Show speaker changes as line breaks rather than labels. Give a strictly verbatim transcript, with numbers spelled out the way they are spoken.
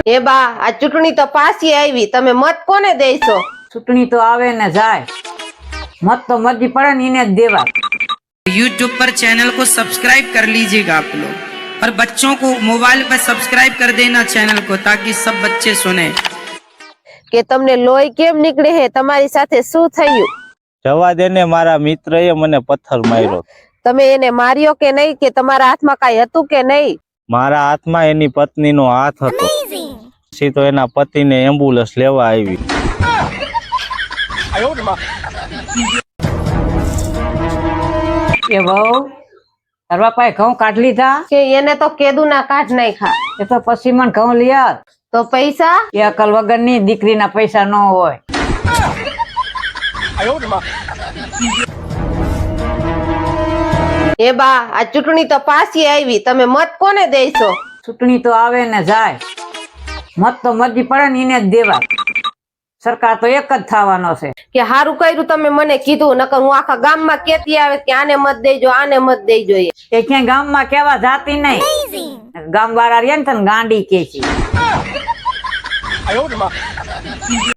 એ બા આ ચૂંટણી તો પાછી આવી, તમે મત કોને દેશો?
ચૂંટણી તો આવે ને જાય, મત તો મરજી પડે ને એને જ દેવા।
यूट्यूब पर चैनल को सब्सक्राइब कर लीजिएगा आप लोग और बच्चों को मोबाइल पर सब्सक्राइब कर देना चैनल को ताकि सब बच्चे सुने।
કે તમને લોહી કેમ નીકળે હે? તમારી સાથે શું થયું?
જવા દે ને, મારા મિત્રએ મને પથ્થર માર્યો।
તમે એને માર્યો કે નહીં? કે તમારા હાથમાં કાંઈ હતું કે નહીં?
મારા હાથમાં એની પત્નીનો હાથ હતો। પછી તો એના પતિને એમ્બ્યુલન્સ લેવા આવી।
એ બહુ તાર બાપાએ ઘઉં કાઢ લીધા
કે એને તો કેદુના કાઢ નાખ્યા।
એ તો પછી મને ઘઉં લઈ આવ।
તો પૈસા?
એ અકલ વગર ની દીકરીના પૈસા ન હોય।
એ બા આ ચૂંટણી તો પાછી આવી, તમે મત કોને દેશો?
ચૂંટણી તો આવે ને જાય, મત તો મરજી પડે ને એને જ દેવા। સરકાર તો એક જ થવાનો છે।
કે હારું કર્યું તમે મને કીધું, નકર હું આખા ગામમાં કેતી આવે કે આને મત દેજો, આને મત દેજો।
એ ક્યાંય ગામમાં કેવા જાતી નહીં, ગામ વાળા રે ને તને ગાંડી કે છે।